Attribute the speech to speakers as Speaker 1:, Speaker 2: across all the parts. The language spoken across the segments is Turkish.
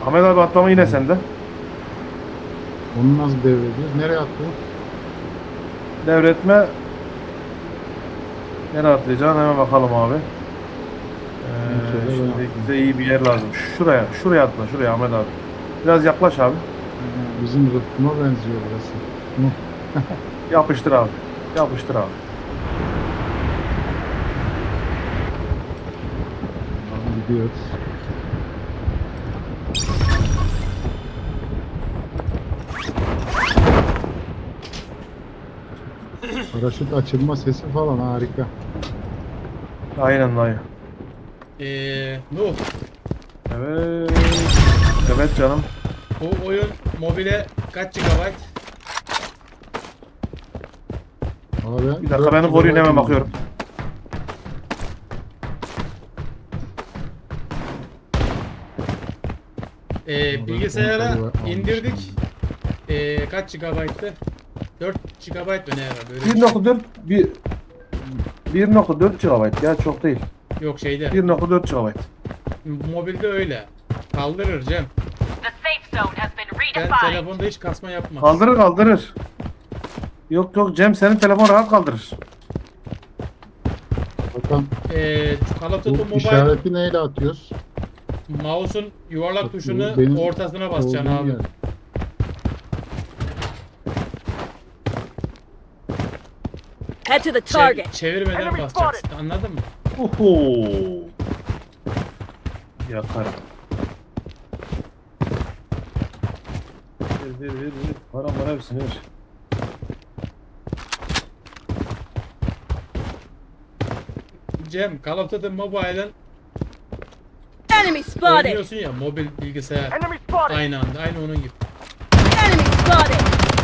Speaker 1: Ahmet abi atlama yine sende.
Speaker 2: Onu nasıl devrediyoruz? Nereye attı?
Speaker 1: Devretme. Nereye atlayacaksın hemen bakalım abi.
Speaker 2: Şöyle ben
Speaker 1: Şimdi
Speaker 2: atlayayım.
Speaker 1: bize iyi bir yer lazım. Şuraya atla, şuraya Ahmet abi. Biraz yaklaş abi.
Speaker 2: Bizim rıhtıma benziyor burası. Hı.
Speaker 1: Yapıştır abi. Yapıştır abi.
Speaker 2: Tamam, gidiyoruz. Paraşüt açılma sesi falan harika.
Speaker 1: Aynen dayı.
Speaker 3: Nuh,
Speaker 1: Evet. Evet canım.
Speaker 3: bu oyun mobile kaç GB?
Speaker 2: Abi,
Speaker 1: Bir dakika beni koruyun hemen bakıyorum.
Speaker 3: Bilgisayara
Speaker 2: kontrolü
Speaker 3: indirdik.
Speaker 2: almışım.
Speaker 3: Kaç GB'tı? 4 GB mı ne herhalde? Böyle bir şey.
Speaker 1: 1.4 bir 1.4 GB ya çok değil.
Speaker 3: Yok şeyde.
Speaker 1: 1.4 GB.
Speaker 3: Mobilde öyle. Kaldırır Cem.
Speaker 4: The safe zone has been
Speaker 3: Ben
Speaker 4: redefined.
Speaker 3: telefonda hiç kasma yapmaz.
Speaker 1: Kaldırır kaldırır. Yok yok Cem senin telefon rahat kaldırır.
Speaker 2: Bakalım
Speaker 3: Call of Duty
Speaker 2: bu
Speaker 3: Mobile
Speaker 2: işareti neyle atıyoruz?
Speaker 3: mouse'un yuvarlak
Speaker 2: Bak, bu
Speaker 3: tuşunu
Speaker 2: benim
Speaker 3: ortasına basacaksın
Speaker 2: olduğum
Speaker 3: abi.
Speaker 2: yer.
Speaker 4: Head to the target.
Speaker 3: Çevirmeden
Speaker 4: Enemy
Speaker 3: basacaksın. Anladın mı?
Speaker 1: Oho. Yakarım. Ver. Param var hepsini ver.
Speaker 3: Cem, Call of Duty Mobile'ın
Speaker 4: Enemy spotted.
Speaker 3: oynuyorsun ya mobil bilgisayar.
Speaker 4: Enemy spotted.
Speaker 3: Aynı anda. Aynı onun gibi.
Speaker 4: Enemy spotted.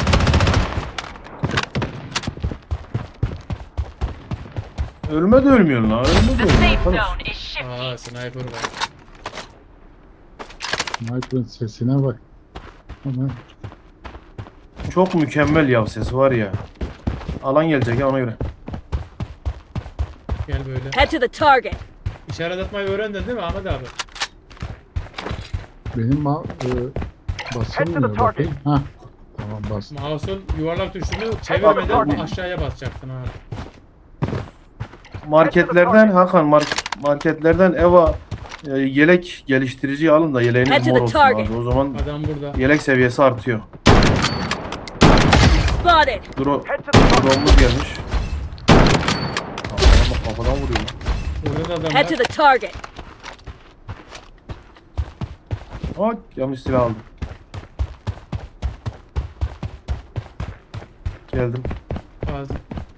Speaker 1: Ölme de ölmüyorsun lan. Ölme de
Speaker 4: The
Speaker 1: ölmüyorsun.
Speaker 4: safe
Speaker 1: Arkadaş.
Speaker 4: zone is shifting.
Speaker 3: Aa sniper var.
Speaker 2: Sniper'ın sesine bak. Ama
Speaker 1: Çok mükemmel ya sesi var ya. Alan gelecek ya ona göre.
Speaker 3: Gel böyle.
Speaker 4: Head to the target.
Speaker 3: İşaret atmayı öğrendin değil mi Ahmet abi?
Speaker 2: benim basılmıyor bakayım. Hah. Tamam bastım.
Speaker 3: Mouse'un yuvarlak tuşunu çevirmeden aşağıya basacaksın abi.
Speaker 1: Marketlerden Hakan marketlerden Eva yelek geliştirici alın da
Speaker 4: Head
Speaker 1: yeleğiniz
Speaker 4: to
Speaker 1: mor
Speaker 4: the
Speaker 1: olsun
Speaker 4: target.
Speaker 1: abi. O zaman
Speaker 3: Adam burada.
Speaker 1: yelek seviyesi artıyor.
Speaker 4: Spotted.
Speaker 1: Drone'umuz gelmiş. Allah'ım bak kafadan vuruyor lan.
Speaker 3: Burada da adam
Speaker 4: Head to
Speaker 3: var.
Speaker 4: the target.
Speaker 1: Ay yanlış silah aldım. Geldim.
Speaker 3: Bazı.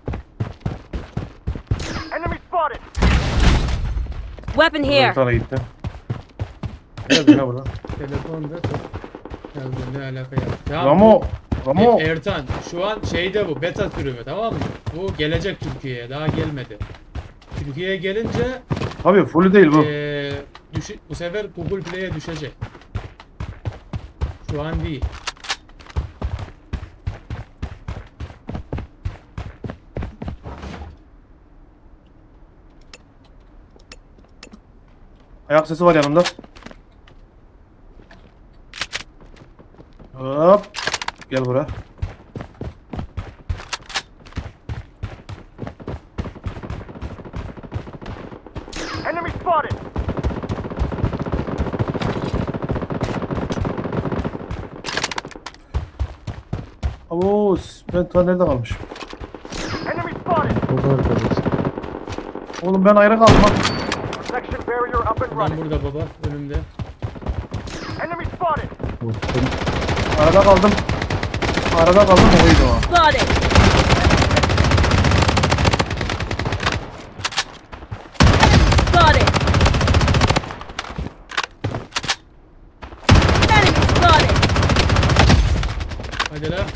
Speaker 4: Weapon
Speaker 1: Bir
Speaker 4: here.
Speaker 1: tane gitti. Geldi ne burada?
Speaker 3: Telefonda ne alaka ya? Tamam,
Speaker 1: Ramo.
Speaker 3: Ertan şu an şeyde bu beta sürümü tamam mı? Bu gelecek Türkiye'ye daha gelmedi. Türkiye'ye gelince
Speaker 1: Tabii full değil bu.
Speaker 3: bu sefer Google Play'e düşecek. Şu an değil.
Speaker 1: Ayak sesi var yanımda. Hop. Gel buraya.
Speaker 5: Enemy spotted!
Speaker 1: Oo, ben ta nerede kalmışım?
Speaker 5: Enemy spotted!
Speaker 2: Çok arkadaş.
Speaker 1: Oğlum ben ayrı kaldım lan.
Speaker 5: Protection barrier up and
Speaker 3: Adam
Speaker 5: running.
Speaker 3: burada baba önümde.
Speaker 5: Enemy spotted!
Speaker 2: Korktum.
Speaker 1: Arada kaldım. Oydu o.
Speaker 4: Spotted. Spotted. Enemy spotted.
Speaker 3: Hadi la.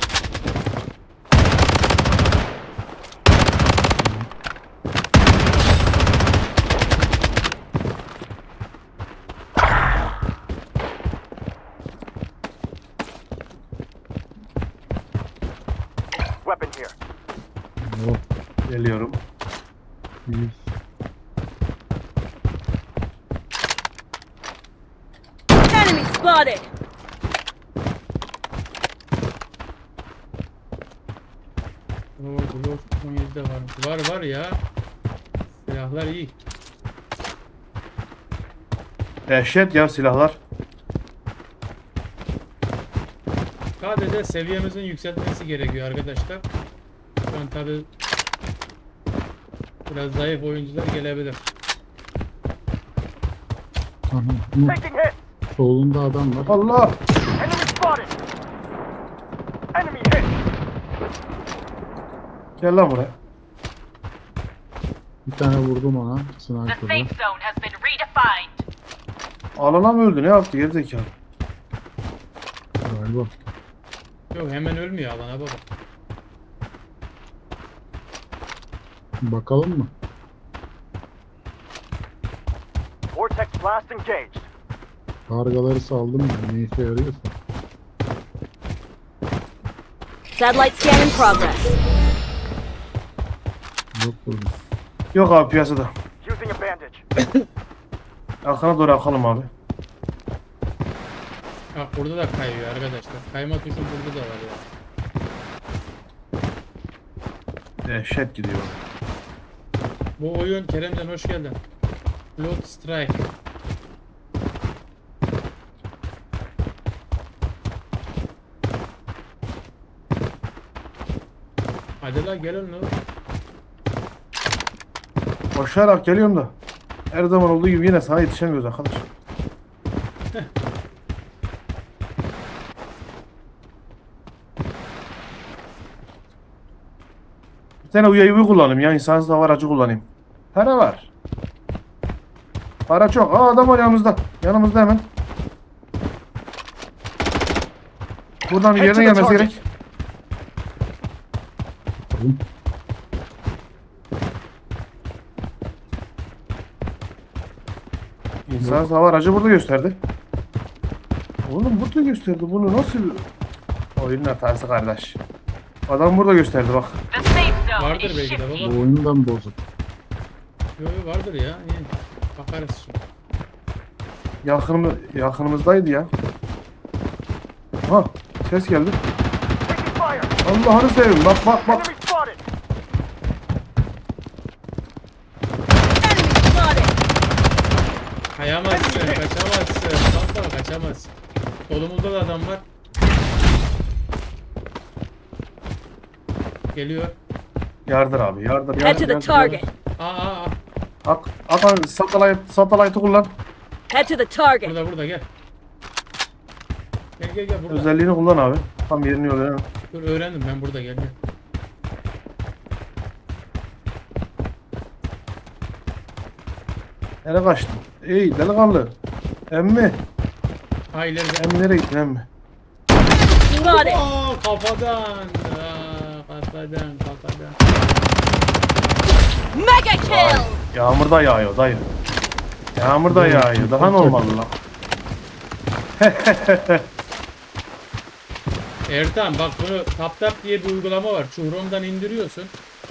Speaker 5: Weapon here.
Speaker 2: Oh,
Speaker 1: Geliyorum.
Speaker 2: 100.
Speaker 4: Enemy spotted. spotted.
Speaker 3: Oo, Glock 17'de varmış. Var ya. Silahlar iyi.
Speaker 1: Dehşet ya silahlar.
Speaker 3: Sadece seviyemizin yükseltmesi gerekiyor arkadaşlar. Şu an tabi biraz zayıf oyuncular gelebilir.
Speaker 2: Aha, Umut,
Speaker 5: Taking hit.
Speaker 2: solunda adam var.
Speaker 1: Allah.
Speaker 5: Enemy spotted. Enemy hit.
Speaker 1: Gel lan buraya.
Speaker 2: Bir tane vurdum ona.
Speaker 6: The
Speaker 2: Sniper'da.
Speaker 6: safe zone has been redefined.
Speaker 1: Alana mı öldü? Ne yaptı gerizekalı?
Speaker 2: Galiba.
Speaker 3: Yok hemen ölmüyor alana baba.
Speaker 2: Bakalım mı?
Speaker 5: Vortex blast engaged.
Speaker 2: Kargaları saldım ya. Ne işe yarıyorsa.
Speaker 4: Satellite scan in progress.
Speaker 2: Yok burada.
Speaker 1: Yok abi piyasada.
Speaker 5: Using a bandage.
Speaker 1: Arkana doğru akalım abi.
Speaker 3: Bak burada da kayıyor arkadaşlar. Kayma tuşu burada da var ya.
Speaker 1: Dehşet gidiyor.
Speaker 3: Bu oyun Keremcan hoş geldin. Blood Strike. Hadi la gelin lan.
Speaker 1: Koşarak geliyorum da. Her zaman olduğu gibi yine sana yetişemiyoruz arkadaş. Bir tane UAV kullanayım ya. İnsansız hava aracı kullanayım. Para var. Para çok. Aa adam var yanımızda. Yanımızda hemen. Buradan bir
Speaker 5: Head to
Speaker 1: yerine
Speaker 5: the
Speaker 1: gelmesi
Speaker 5: target.
Speaker 1: gerek.
Speaker 2: Bakalım.
Speaker 1: İnsansız hava aracı burada gösterdi. Oğlum burada gösterdi. Bunu nasıl... Oyunun hatası kardeş. Adam burada gösterdi bak.
Speaker 6: The safe zone
Speaker 3: Vardır
Speaker 6: is
Speaker 3: belki de
Speaker 6: shifting.
Speaker 3: baba.
Speaker 2: Bu oyundan bozuk.
Speaker 3: Yo, vardır ya. İyi. Bakarız şimdi.
Speaker 1: Yakınımızdaydı ya. Ha ses geldi.
Speaker 5: Taking fire.
Speaker 1: Allah'ını seveyim bak bak bak.
Speaker 5: Enemy spotted.
Speaker 4: Enemy spotted.
Speaker 3: Kayamazsın, kaçamazsın. Baba kaçamazsın. Solumuzda da adam var. Geliyor.
Speaker 1: Yardır abi yardır
Speaker 4: Head to the
Speaker 1: yardır.
Speaker 4: target.
Speaker 3: Aa.
Speaker 1: At satellite'ı kullan.
Speaker 4: Head to the target.
Speaker 3: Burada gel. Gel burada.
Speaker 1: Özelliğini kullan abi. Tam yerini yolu.
Speaker 3: Dur öğrendim ben burada gel.
Speaker 1: Nereye kaçtın? Ey delikanlı. Emmi.
Speaker 3: Ha ileride.
Speaker 1: Emmi nereye gittin emmi?
Speaker 4: Spotted.
Speaker 3: Aa kafadan. Kafadan.
Speaker 4: Mega kill.
Speaker 1: Yağmur da yağıyor dayı. Yağmur da yağıyor. Daha normal lan.
Speaker 3: Ertan bak bunu TapTap diye bir uygulama var. Chrome'dan indiriyorsun.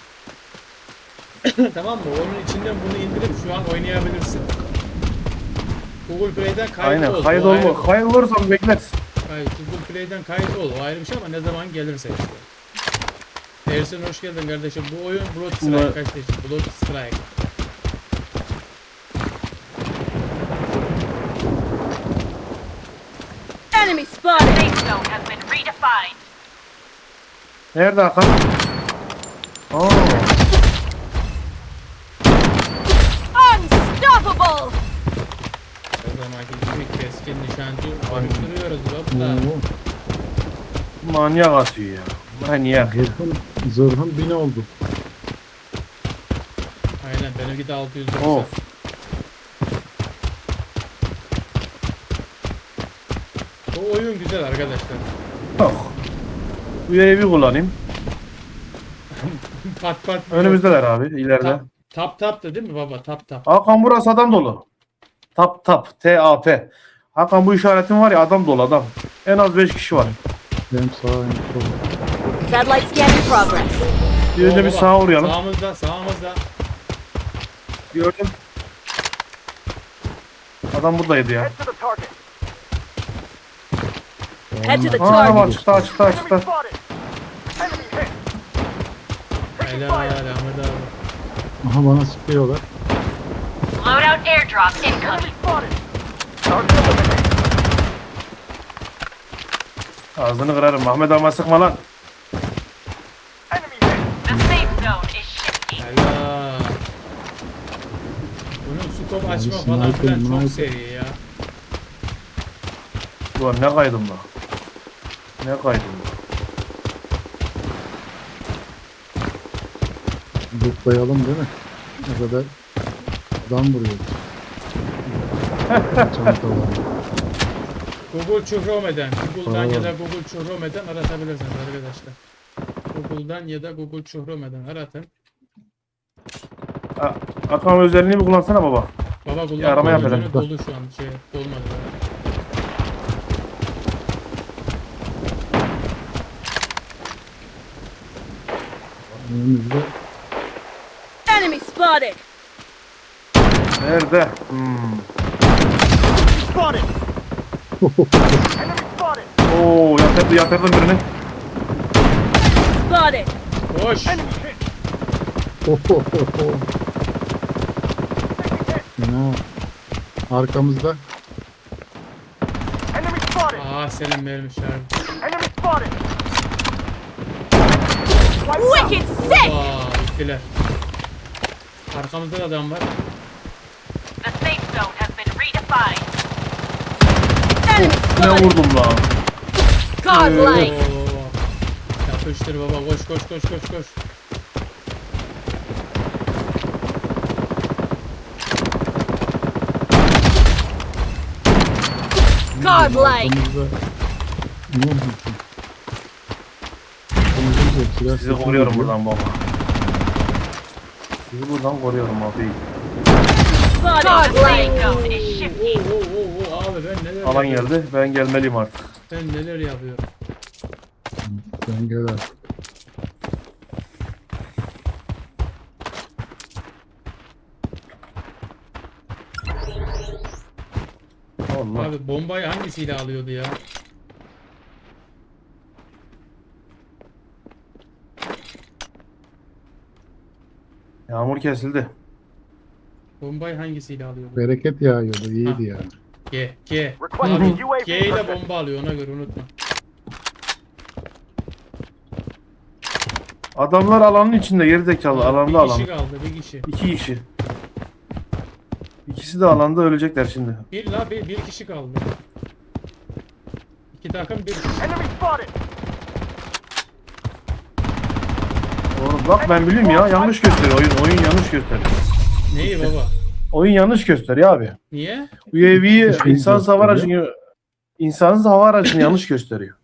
Speaker 3: Tamam mı? Onun içinden bunu indirip şu an oynayabilirsin. Google Play'den kayıt
Speaker 1: Aynen
Speaker 3: ol.
Speaker 1: kayıt
Speaker 3: O ayrı-
Speaker 1: olma. Kayıt olursan beklersin.
Speaker 3: Hayır, Google Play'den kayıt ol. O ayrı bir şey ama ne zaman gelirse işte. Ersin hoş geldin kardeşim. Bu oyun Blood Strike
Speaker 1: Bunlar-
Speaker 3: kardeşim. Blood Strike.
Speaker 4: Enemy
Speaker 6: The
Speaker 4: spotted.
Speaker 6: safe zone has been redefined.
Speaker 1: Nerede Hakan? Aa,
Speaker 4: Unstoppable.
Speaker 3: O zamanki gibi keskin nişancı konuşturuyoruz baba.
Speaker 2: Oo.
Speaker 1: manyak atıyor ya. Manyak.
Speaker 2: Zırhım 1000 oldu.
Speaker 3: Aynen benimki de 690.
Speaker 1: Of.
Speaker 3: Bu oyun güzel arkadaşlar.
Speaker 1: Yok. UAV kullanayım.
Speaker 3: Pat.
Speaker 1: Önümüzdeler abi ileride.
Speaker 3: Tap da değil mi baba? Tap.
Speaker 1: Hakan burası adam dolu. Tap. T-A-P. Hakan bu işaretin var ya adam dolu adam. En az 5 kişi var.
Speaker 2: Hem sağ hem sol.
Speaker 4: Satellite scan in progress.
Speaker 1: Bir önce bir
Speaker 3: baba,
Speaker 1: sağa uğrayalım.
Speaker 3: Sağımızda.
Speaker 1: Gördüm. Adam buradaydı ya.
Speaker 5: Head to the target.
Speaker 4: Head to the
Speaker 1: Aa
Speaker 4: target.
Speaker 1: çıktı açıktı
Speaker 5: Enemy
Speaker 1: açıktı.
Speaker 5: spotted. Enemy hit. Taking
Speaker 3: Helal
Speaker 5: fire.
Speaker 3: Ahmet abi.
Speaker 2: Aha bana sıkıyorlar.
Speaker 6: Loadout airdrop
Speaker 5: Enemy
Speaker 6: incoming.
Speaker 5: spotted. Target eliminated.
Speaker 1: Ağzını kırarım. Ahmet ama sıkma lan.
Speaker 5: Enemy hit.
Speaker 6: The safe zone is shifting.
Speaker 3: Helal. Bunun scope açma falan
Speaker 2: sniper,
Speaker 3: filan çok
Speaker 2: sniper.
Speaker 3: seri ya.
Speaker 1: Ulan ne kaydım lan. Ne kaydım lan.
Speaker 2: Zıplayalım değil mi? Ne kadar adam vuruyor. Çantalar.
Speaker 3: Google Chrome'den, Google'dan ya da
Speaker 2: Tamam.
Speaker 3: Google Chrome'den aratabilirsiniz arkadaşlar. Google'dan ya da Google Chrome'den aratın.
Speaker 1: Akam özelliğini bir kullansana baba.
Speaker 3: Baba
Speaker 1: arama
Speaker 3: kullanma
Speaker 1: yap
Speaker 3: gözünü
Speaker 1: hele.
Speaker 3: dolu şu an şey dolmadı.
Speaker 2: Önümüzde
Speaker 4: Enemy spotted.
Speaker 1: Nerede?
Speaker 5: Spotted. Enemy spotted.
Speaker 1: Oo yatırdım birini.
Speaker 4: Spotted.
Speaker 3: Koş!
Speaker 5: Enemy hit.
Speaker 2: Ohohoho.
Speaker 5: Taking hit.
Speaker 2: Fena. Arkamızda.
Speaker 5: Enemy spotted.
Speaker 3: Aa senin vermişler.
Speaker 5: Enemy spotted. Wiped out.
Speaker 4: Wicked sick.
Speaker 3: Aa bittiler. Arkamızda da adam var.
Speaker 6: The safe zone has been redefined.
Speaker 4: Enemy
Speaker 1: Ne
Speaker 4: spotted.
Speaker 1: vurdum lan.
Speaker 4: Godlike.
Speaker 3: Oo. Yapıştır baba koş koş koş koş koş.
Speaker 4: Godlike.
Speaker 2: Arkamızda. Ne oldu? Arkamızda silah
Speaker 1: Sizi
Speaker 2: sesi
Speaker 1: koruyorum
Speaker 2: geliyor.
Speaker 1: buradan baba. Sizi buradan koruyorum abi.
Speaker 4: Spotted.
Speaker 6: The safe
Speaker 4: Godlike.
Speaker 6: zone is shifting.
Speaker 3: Oo abi ben neler
Speaker 1: Alan
Speaker 3: yapıyorum?
Speaker 1: geldi. Ben gelmeliyim artık.
Speaker 3: Ben neler yapıyorum?
Speaker 2: Sen gel artık.
Speaker 1: Allah.
Speaker 3: Abi bombayı hangisiyle alıyordu ya?
Speaker 1: Yağmur kesildi.
Speaker 3: Bombayı hangisiyle alıyordu?
Speaker 2: Bereket yağıyordu.
Speaker 3: Ha.
Speaker 2: İyiydi yani.
Speaker 3: G.
Speaker 5: Requesting
Speaker 3: Abi
Speaker 5: UAV
Speaker 3: G ile
Speaker 5: protection.
Speaker 3: bomba alıyor ona göre unutma.
Speaker 1: Adamlar alanın içinde gerizekalı. Alanda
Speaker 3: Bir
Speaker 1: alan.
Speaker 3: kişi kaldı bir kişi.
Speaker 1: 2 kişi. İkisi de alanda ölecekler şimdi.
Speaker 3: Bir kişi kaldı. İki takım bir kişi.
Speaker 5: Enemy spotted.
Speaker 1: Oğlum bak ben biliyorum ya. Yanlış gösteriyor. Oyun yanlış gösteriyor.
Speaker 3: Neyi baba?
Speaker 1: Oyun yanlış gösteriyor abi.
Speaker 3: Niye?
Speaker 1: UAV'yi
Speaker 2: Hiçbir
Speaker 1: insansız hava
Speaker 2: gösteriyor.
Speaker 1: aracını yanlış gösteriyor.